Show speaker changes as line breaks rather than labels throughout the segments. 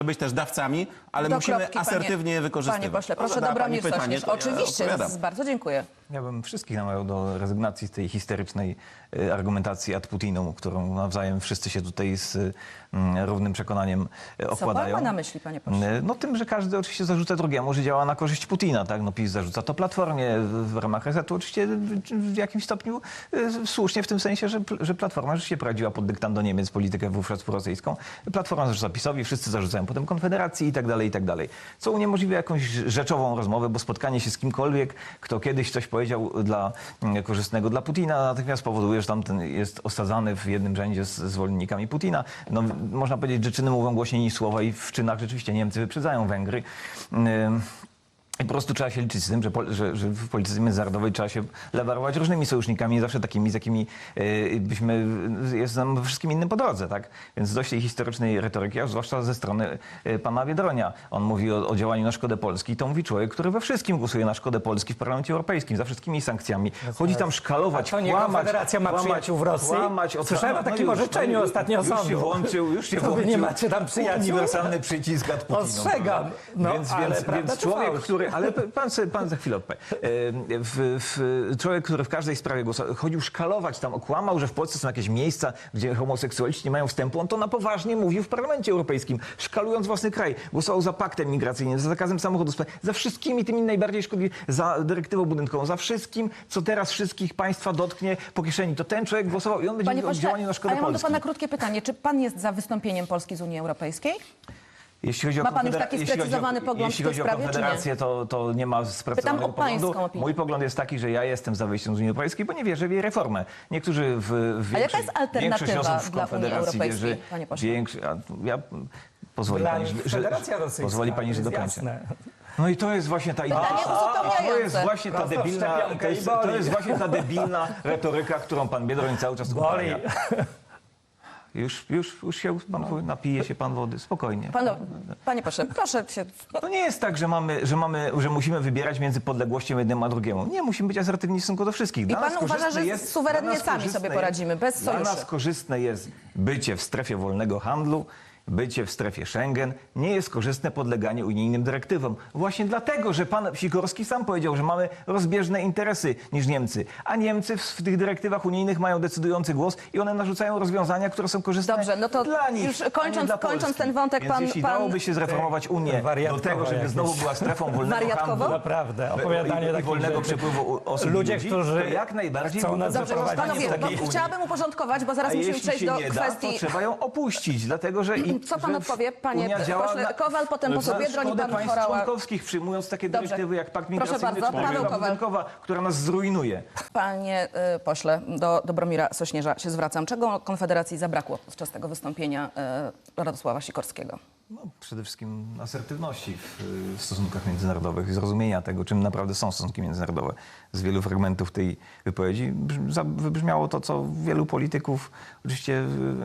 być też dawcami, ale
Do
musimy
kropki,
asertywnie je wykorzystywać.
Panie pośle, proszę,
Zadała
Dobromir
pani pytanie,
Sośnierz.
to ja
Oczywiście,
odpowiadam.
bardzo dziękuję.
Ja bym wszystkich namawiał do rezygnacji z tej histerycznej argumentacji ad Putinum, którą nawzajem wszyscy się tutaj z równym przekonaniem okładają.
Co pan ma na myśli, panie pośle?
No tym, że każdy oczywiście zarzuca drugiemu, że działa na korzyść Putina, tak? No PiS zarzuca to Platformie w ramach resetu, oczywiście w jakimś stopniu słusznie w tym sensie, że Platforma rzeczywiście prowadziła pod dyktando Niemiec politykę wówczas prorosyjską. Platforma zarzuca PiS-owi, wszyscy zarzucają potem Konfederacji i tak dalej, i tak dalej. Co uniemożliwia jakąś rzeczową rozmowę, bo spotkanie się z kimkolwiek, kto kiedyś coś powiedział korzystnego dla Putina, natychmiast powoduje, że tamten jest osadzany w jednym rzędzie z zwolennikami Putina. No, można powiedzieć, że czyny mówią głośniej niż słowa i w czynach rzeczywiście Niemcy wyprzedzają Węgry. I po prostu trzeba się liczyć z tym, że w polityce międzynarodowej trzeba się lewarować różnymi sojusznikami, nie zawsze takimi, z jakimi jest nam wszystkim innym po drodze, tak? Więc dość tej historycznej retoryki, a zwłaszcza ze strony pana Biedronia. On mówi o działaniu na szkodę Polski. To mówi człowiek, który we wszystkim głosuje na szkodę Polski w Parlamencie Europejskim, za wszystkimi sankcjami. Chodzi tam szkalować,
To nie
kłamać,
Konfederacja ma przyjaciół w Rosji? Słyszałem o takim orzeczeniu ostatnio sądu.
Już się
To wy
włączył.
nie macie tam przyjaciół?
Uniwersalny przycisk ad Putinum.
Ostrzegam. No, ale prawda
więc
czy
człowiek,
fałsz?
który... Ale pan za chwilę odpowie. Człowiek, który w każdej sprawie chodził szkalować tam, okłamał, że w Polsce są jakieś miejsca, gdzie homoseksualiści nie mają wstępu. On to na poważnie mówił w Parlamencie Europejskim, szkalując własny kraj. Głosował za paktem migracyjnym, za zakazem samochodów, za wszystkimi tymi najbardziej szkodliwymi, za dyrektywą budynkową, za wszystkim, co teraz wszystkich państwa dotknie po kieszeni. To ten człowiek głosował i on będzie
Panie
mówił o
pośle,
działaniu na szkodę
a ja mam do
Polski.
pana krótkie pytanie. Czy pan jest za wystąpieniem Polski z Unii Europejskiej?
Jeśli chodzi o
Ma pan już taki sprecyzowany pogląd
jeśli
w tej
chodzi o
sprawie, czy nie?
Konfederację, to nie ma sprecyzowanego
Pytam o pańską
poglądu.
opinię.
Mój pogląd jest taki, że ja jestem za wyjściem z Unii Europejskiej, bo nie wierzę w jej reformę. Niektórzy
A jaka jest alternatywa
większość osób w
dla Unii
Konfederacji
Europejskiej,
wierzy,
panie pośle?
Pozwoli
Dla
pani,
nich
że
Federacja Rosyjska,
pozwoli pani, że
to jest
dokończę.
jasne.
No i to jest właśnie ta
Pytanie uzupełniające.
to jest właśnie ta
Prosto w
debilna,
szczepionkę i
to
boli.
jest właśnie ta debilna retoryka, którą pan Biedroń cały czas
Boli.
uprawia. Już się pan napije się pan wody, spokojnie.
Panie pośle, proszę się...
To nie jest tak, że musimy wybierać między podległością jednemu a drugiemu. Nie, musimy być asertywni w stosunku do wszystkich.
I pan uważa, że suwerennie sami sobie poradzimy, bez sojuszy?
Dla nas korzystne jest bycie w strefie wolnego handlu, bycie w strefie Schengen. Nie jest korzystne podleganie unijnym dyrektywom. Właśnie dlatego, że pan Sikorski sam powiedział, że mamy rozbieżne interesy niż Niemcy. A Niemcy w tych dyrektywach unijnych mają decydujący głos i one narzucają rozwiązania, które są korzystne
Dobrze, no to
dla nich,
już
a nie
kończąc-
dla
kończąc
Polski.
ten wątek,
Więc jeśli dałoby się zreformować Unię do
Wariatkowo
tego, żeby
jakieś.
znowu była strefą wolnego
Wariatkowo?
handlu,
Naprawdę, opowiadanie
i
takich
wolnego
rzeczy.
przepływu osób i
Ludzie,
ludzi,
którzy
to jak najbardziej
chcą nas
Dobrze,
zaprowadzić
panowie,
do
bo
takiej Unii.
chciałabym uporządkować, bo zaraz
A
musimy
jeśli
przejść
się
do
nie da, to
kwestii...
trzeba ją opuścić, dlatego że...
Co pan
że
odpowie, panie
Unia działa
pośle Kowal, potem poseł
na
Biedroń i
szkodę
pan
państw
Horała.
członkowskich, przyjmując takie
Dobrze.
dyrektywy jak Pakt
Proszę
Migracyjny
bardzo,
czy
Paweł
dyrektywa
Kowal.
budynkowa, która nas zrujnuje.
Panie pośle, do Dobromira Sośnierza się zwracam. Czego Konfederacji zabrakło podczas tego wystąpienia Radosława Sikorskiego?
No, przede wszystkim asertywności w stosunkach międzynarodowych i zrozumienia tego, czym naprawdę są stosunki międzynarodowe. Z wielu fragmentów tej wypowiedzi wybrzmiało to, co wielu polityków oczywiście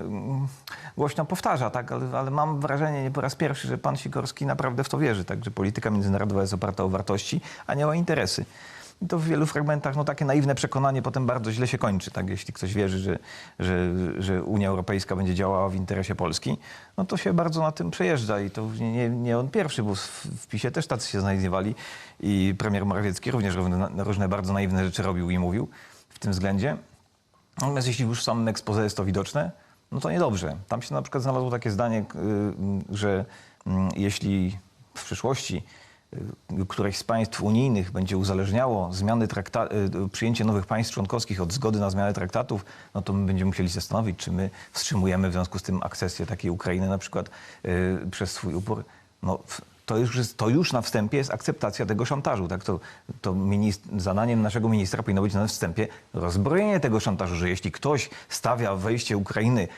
głośno powtarza, tak? Ale mam wrażenie nie po raz pierwszy, że pan Sikorski naprawdę w to wierzy, tak? Że polityka międzynarodowa jest oparta o wartości, a nie o interesy. I to w wielu fragmentach takie naiwne przekonanie potem bardzo źle się kończy. Tak? Jeśli ktoś wierzy, że Unia Europejska będzie działała w interesie Polski, no to się bardzo na tym przejeżdża. I to nie on pierwszy, bo w PiS-ie też tacy się znajdowali. I premier Morawiecki również różne bardzo naiwne rzeczy robił i mówił w tym względzie. Natomiast jeśli już w samym exposé jest to widoczne, no to niedobrze. Tam się na przykład znalazło takie zdanie, że jeśli w przyszłości któreś z państw unijnych będzie uzależniało przyjęcie nowych państw członkowskich od zgody na zmianę traktatów, no to my będziemy musieli zastanowić, czy my wstrzymujemy w związku z tym akcesję takiej Ukrainy na przykład przez swój upór. No, to już na wstępie jest akceptacja tego szantażu. Tak? Zadaniem naszego ministra powinno być na wstępie rozbrojenie tego szantażu, że jeśli ktoś stawia wejście Ukrainy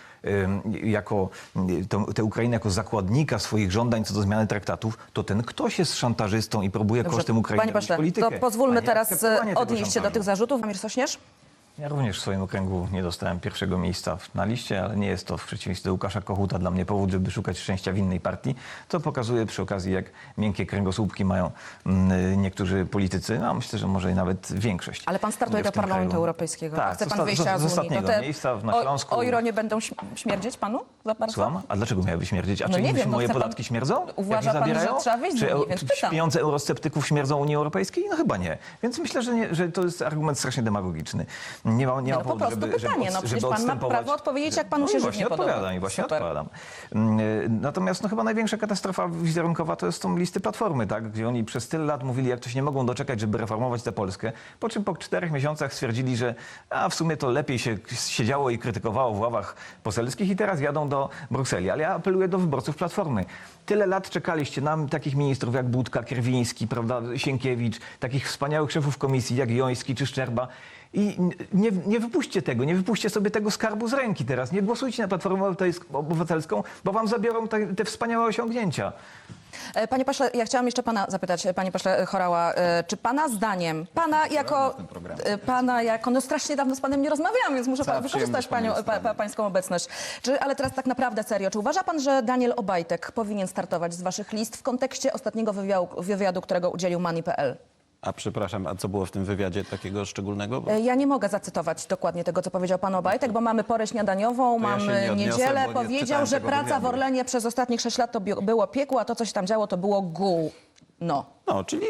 tę Ukrainę jako zakładnika swoich żądań co do zmiany traktatów, to ten ktoś jest szantażystą i próbuje kosztem Ukrainy
Panie pośle,
politykę.
to pozwólmy teraz
akceptowanie tego
odnieść się do
szantażu.
tych zarzutów. Amir Sośnierz?
Ja również w swoim okręgu nie dostałem pierwszego miejsca na liście, ale nie jest to w przeciwieństwie do Łukasza Kochuta dla mnie powód, żeby szukać szczęścia w innej partii. To pokazuje przy okazji, jak miękkie kręgosłupki mają niektórzy politycy, no myślę, że może i nawet większość.
Ale pan startuje do
w tym
Parlamentu
kraju.
Europejskiego.
Tak,
Chce pan wyjścia
z
z Unii.
ostatniego miejsca na Śląsku.
O Iro nie będą śmierdzieć panu za bardzo?
Słucham? A dlaczego miałyby śmierdzieć? A
No
czy
nie wiem, no
moje
chce pan-
podatki śmierdzą?
Uważa
Jak je
pan, że
zabierają?
trzeba wyjść z
Czy
Unii, więc pytam.
pieniądze eurosceptyków śmierdzą Unii Europejskiej? No chyba nie. Więc myślę, że to jest argument strasznie demagogiczny. Nie ma
No po
powodu,
prostu pytanie, no przecież pan ma prawo odpowiedzieć, jak panu się żywnie podoba.
odpowiadam i właśnie
Super.
odpowiadam. Natomiast no, chyba największa katastrofa wizerunkowa to jest tą listy Platformy, tak? Gdzie oni przez tyle lat mówili, jak to się nie mogą doczekać, żeby reformować tę Polskę. Po czym po 4 miesiącach stwierdzili, że w sumie to lepiej się siedziało i krytykowało w ławach poselskich i teraz jadą do Brukseli. Ale ja apeluję do wyborców Platformy. Tyle lat czekaliście na takich ministrów jak Budka, Kierwiński, prawda, Sienkiewicz, takich wspaniałych szefów komisji jak Joński czy Szczerba. I nie wypuśćcie tego, nie wypuśćcie sobie tego skarbu z ręki teraz. Nie głosujcie na Platformę Obywatelską, bo wam zabiorą te wspaniałe osiągnięcia.
Panie pośle, ja chciałam jeszcze pana zapytać, panie pośle Horała, czy pana zdaniem, pana jako, no strasznie dawno z panem nie rozmawiałam, więc muszę
Cała
wykorzystać
przyjemność po mojej stronie.
pańską obecność. Ale teraz tak naprawdę serio, czy uważa pan, że Daniel Obajtek powinien startować z waszych list w kontekście ostatniego wywiadu, którego udzielił Money.pl?
A przepraszam, a co było w tym wywiadzie takiego szczególnego? Bo
Ja nie mogę zacytować dokładnie tego, co powiedział pan Obajtek, bo mamy porę śniadaniową,
To ja się
mamy
nie odniosę,
niedzielę.
bo nie
Powiedział,
czytałem
że
tego
praca
wywiadu.
w Orlenie przez ostatnich 6 lat to było piekło, a to, co się tam działo, to było gówno.
No, czyli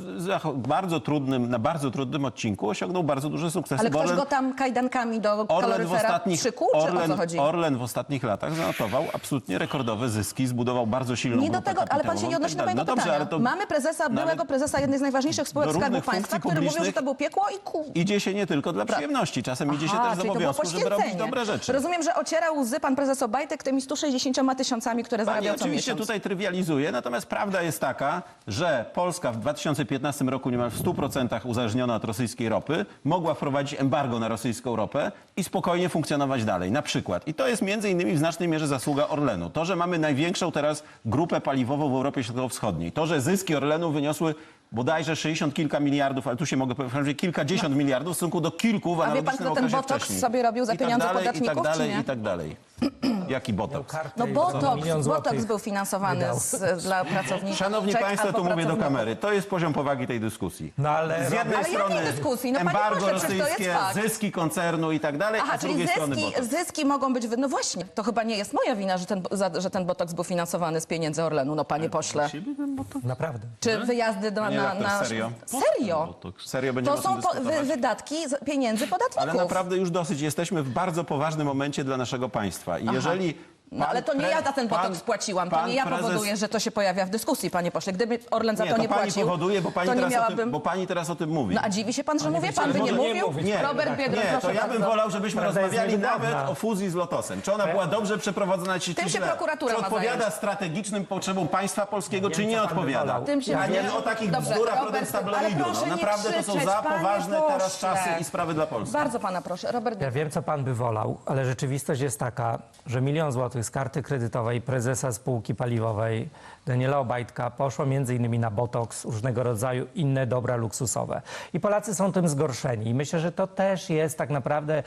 na bardzo trudnym odcinku osiągnął bardzo duże sukcesy.
Ale
bo
ktoś
Orlen-
go tam kajdankami do
Orlen w
kaloryfera
ostatnich,
przykuł, czy o co chodzi?
Orlen w ostatnich latach zanotował absolutnie rekordowe zyski, zbudował bardzo silną
Nie do
grupę
tego, ale pan się
kapitałową
nie
i
odnosi
tak
do
dalej.
mojego
No dobrze,
pytania.
ale to
Mamy prezesa, byłego prezesa jednej z najważniejszych spółek
do
Skarbu
różnych
Państwa,
funkcji
który mówił, że
publicznych
to było piekło i
idzie się nie tylko dla przyjemności, czasem idzie się też z
czyli to było
obowiązku, żeby robić
poświęcenie.
dobre rzeczy.
Rozumiem, że ocierał łzy pan prezes Obajtek tymi 160 tysiącami, które
Pani
zarabiał co
oczywiście
miesiąc.
tutaj trywializuje, natomiast prawda jest taka, że Polska w 2015 roku niemal w 100% uzależniona od rosyjskiej ropy mogła wprowadzić embargo na rosyjską ropę i spokojnie funkcjonować dalej. Na przykład. I to jest między innymi w znacznej mierze zasługa Orlenu. To, że mamy największą teraz grupę paliwową w Europie Środkowo-Wschodniej. To, że zyski Orlenu wyniosły bodajże 60 kilka miliardów, ale tu się mogę powiedzieć, że kilkadziesiąt miliardów w stosunku do kilku w
A wie pan,
analogicznym
kto ten
okresie
botoks
wcześniej.
sobie robił za
I tak
pieniądze
dalej,
podatników,
I tak dalej,
czy nie?
i tak dalej. Jaki botoks?
No botoks był finansowany dla pracowników.
Szanowni
Czek
Państwo,
albo
tu mówię do
pracowników.
kamery. To jest poziom powagi tej dyskusji.
No ale
Z jednej
Ale
strony
jakiej dyskusji? No, panie
embargo
pośle, przecież to jest
rosyjskie,
fakt.
zyski koncernu i tak dalej,
Aha,
a z
czyli
drugiej strony botoks.
zyski mogą być... No właśnie, to chyba nie jest moja wina, że ten botoks był finansowany z pieniędzy Orlenu, no panie pośle.
naprawdę.
Czy wyjazdy
Panie redaktor, serio?
Serio?
Serio będziemy
To
o tym
są
dyskutować?
wydatki pieniędzy podatników.
Ale naprawdę już dosyć. Jesteśmy w bardzo poważnym momencie dla naszego państwa. I jeżeli...
No ale to nie ja za ten botoks płaciłam, to nie ja powoduję, że to się pojawia w dyskusji, panie pośle. Gdyby Orlen za
Nie,
to
to
nie
pani
płacił,
powoduje, bo pani,
to nie
teraz
miałabym...
bo pani teraz o tym mówi.
No a dziwi się pan, że mówię? Pan by nie
może nie
mówił?
mówić,
Nie,
Robert Biedroń,
nie, to
proszę
ja bym
bardzo.
wolał, żebyśmy
Prawda jest
rozmawiali
niewydawna.
nawet o fuzji z Lotosem. Czy ona była dobrze przeprowadzona, czy
Tym się
źle?
prokuratura
Czy
ma
odpowiada
zająć.
strategicznym potrzebom państwa polskiego, czy
Wiem,
nie
co pan by
odpowiada?
wolał.
Tym się
A nie
nie-
o takich
Dobrze,
bzdurach
Robert,
rodem z
ale
tabloidu.
proszę
No,
nie
naprawdę to są
krzyczeć,
za
panie
poważne teraz
pośle.
czasy i sprawy dla Polski.
Bardzo pana proszę, Robert
Ja wiem, co pan by wolał, ale rzeczywistość jest taka, że 1 000 000 złotych z karty kredytowej prezesa spółki paliwowej Daniela Obajtka poszło m.in. na botoks, różnego rodzaju inne dobra luksusowe. I Polacy są tym zgorszeni. I myślę, że to też jest tak naprawdę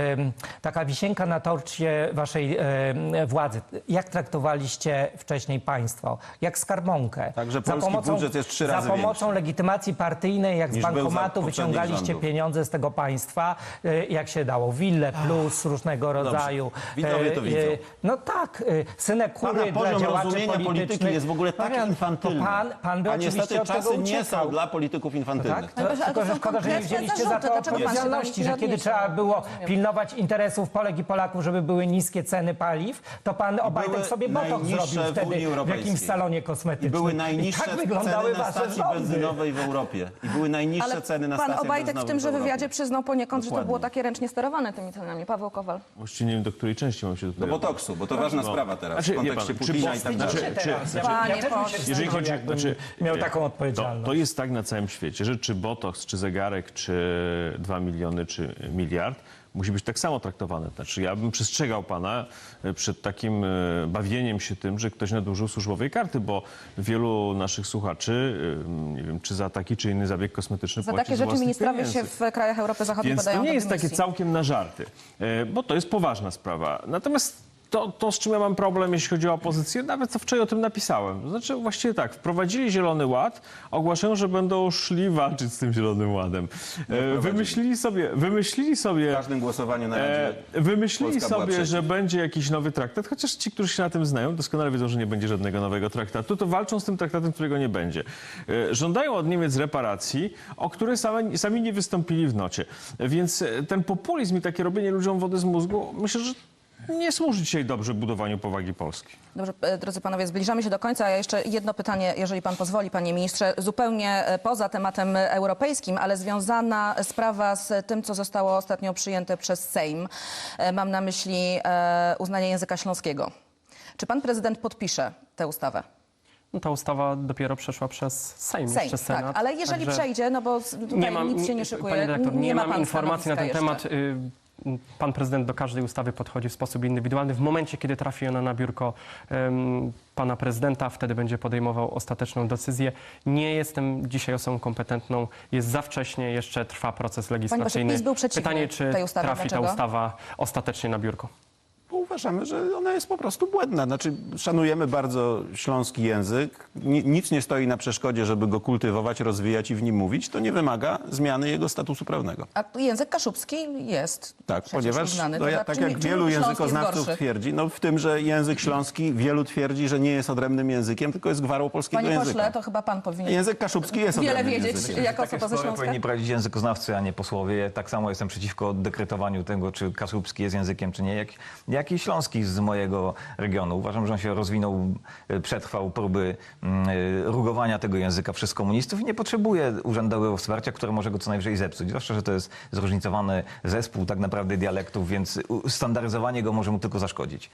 taka wisienka na torcie waszej władzy. Jak traktowaliście wcześniej państwo? Jak skarbonkę?
Także polski budżet jest 3 razy
Za pomocą
większy.
legitymacji partyjnej, jak z
Niż był za
bankomatu
poprzednich
wyciągaliście
rządów.
pieniądze z tego państwa, jak się dało. Wille plus różnego rodzaju.
Widzowie to widzą.
No tak, synekury
Pana
dla
poziom
działaczy
rozumienia polityki
politycznych.
jest w ogóle tak
Powiem,
infantylny.
to pan by
A
oczywiście
niestety
od tego
czasy nie
uciekał.
są dla polityków infantylnych.
Tak?
Ale proszę, ale to
Tylko, że
są
szkoda, że nie
konkretne
wzięliście za
zarzuty.
to
Dlaczego pan się do nich
odpowiedzialności,
nie
że kiedy
odniesie?
trzeba było
Rozumiem.
pilnować interesów Polek i Polaków, żeby były niskie ceny paliw, to pan Obajtek
były
sobie botoks
najniższe
zrobił
w
wtedy
Unii
w
Europejskiej.
jakimś salonie
I
kosmetycznym.
były najniższe
tak wyglądały
ceny na
wasze
stacji
rządy.
benzynowej w Europie. I były najniższe
Ale
ceny na
pan
stacjach
Obajtek w
benzynowych
tymże
w Europie.
wywiadzie przyznał poniekąd, że to
Dokładnie.
było takie ręcznie sterowane tymi cenami. Paweł Kowal.
Właściwie nie wiem, do której części mam się
Do
tutaj...
botoksu, bo to ważna sprawa teraz
Znaczy,
w kontekście
wie pan, czy
Putina i tak dalej.
Panie
Ja też bym się
pośle.
Jeżeli chodzi,
jakbym miał taką odpowiedzialność.
To jest tak na całym świecie, że czy botoks, czy zegarek, czy 2 miliony, czy miliard musi być tak samo traktowane. Znaczy ja bym przestrzegał pana przed takim bawieniem się tym, że ktoś nadużył służbowej karty, bo wielu naszych słuchaczy, nie wiem, czy za taki, czy inny zabieg kosmetyczny
Za
płaci
takie
z
rzeczy
własnych
ministrowie
pieniędzy.
się w krajach Europy Zachodniej
Więc
podają
to nie
do
jest takie
dymisji.
całkiem na żarty, bo to jest poważna sprawa. Natomiast to, z czym ja mam problem, jeśli chodzi o opozycję, nawet co wczoraj o tym napisałem. To znaczy właściwie tak, wprowadzili Zielony Ład, ogłaszają, że będą szli walczyć z tym Zielonym Ładem. Wymyślili sobie
W każdym głosowaniu na Radzie
wymyślili
Polska była
sobie,
przeciw.
że będzie jakiś nowy traktat, chociaż ci, którzy się na tym znają, doskonale wiedzą, że nie będzie żadnego nowego traktatu, to walczą z tym traktatem, którego nie będzie. Żądają od Niemiec reparacji, o które sami nie wystąpili w nocie. Więc ten populizm i takie robienie ludziom wody z mózgu, myślę, że nie służy dzisiaj dobrze budowaniu powagi Polski.
Dobrze, drodzy panowie, zbliżamy się do końca. A jeszcze jedno pytanie, jeżeli pan pozwoli, panie ministrze, zupełnie poza tematem europejskim, ale związana sprawa z tym, co zostało ostatnio przyjęte przez Sejm. Mam na myśli uznanie języka śląskiego. Czy pan prezydent podpisze tę ustawę?
No, ta ustawa dopiero przeszła przez Sejm,
Sejm,
przez Senat.
tak, ale jeżeli
Także
przejdzie, no bo tutaj nic się nie szykuje,
Pani dyrektor, nie
ma
mam
pan
informacji na ten
stanowiska
temat. Pan prezydent do każdej ustawy podchodzi w sposób indywidualny. W momencie, kiedy trafi ona na biurko pana prezydenta, wtedy będzie podejmował ostateczną decyzję. Nie jestem dzisiaj osobą kompetentną. Jest za wcześnie, jeszcze trwa proces legislacyjny.
PiS był przeciwny
Pytanie, czy
tej ustawie.
trafi
Dlaczego?
ta ustawa ostatecznie na biurko.
Bo uważamy, że ona jest po prostu błędna. Znaczy, szanujemy bardzo śląski język. Nic nie stoi na przeszkodzie, żeby go kultywować, rozwijać i w nim mówić. To nie wymaga zmiany jego statusu prawnego.
A język kaszubski jest
Tak,
przecież
ponieważ
uznany.
no
To
ja,
za-
tak
czym-
jak
czym
wielu
śląski jest
językoznawców
gorszy?
twierdzi, no w tym, że język śląski wielu twierdzi, że nie jest odrębnym językiem, tylko jest gwarą polskiego
Panie
języka.
pośle, to chyba pan powinien
Język kaszubski jest
wiele
odrębnym
wiedzieć
językiem.
jako
Takie
osoba ze
spory
Śląska.
powinni prowadzić językoznawcy, a nie posłowie. Ja tak samo jestem przeciwko dekretowaniu tego, czy kaszubski jest językiem, czy nie. Jak i śląski z mojego regionu. Uważam, że on się rozwinął, przetrwał próby rugowania tego języka przez komunistów i nie potrzebuje urzędowego wsparcia, które może go co najwyżej zepsuć. Zwłaszcza, że to jest zróżnicowany zespół tak naprawdę dialektów, więc standaryzowanie go może mu tylko zaszkodzić.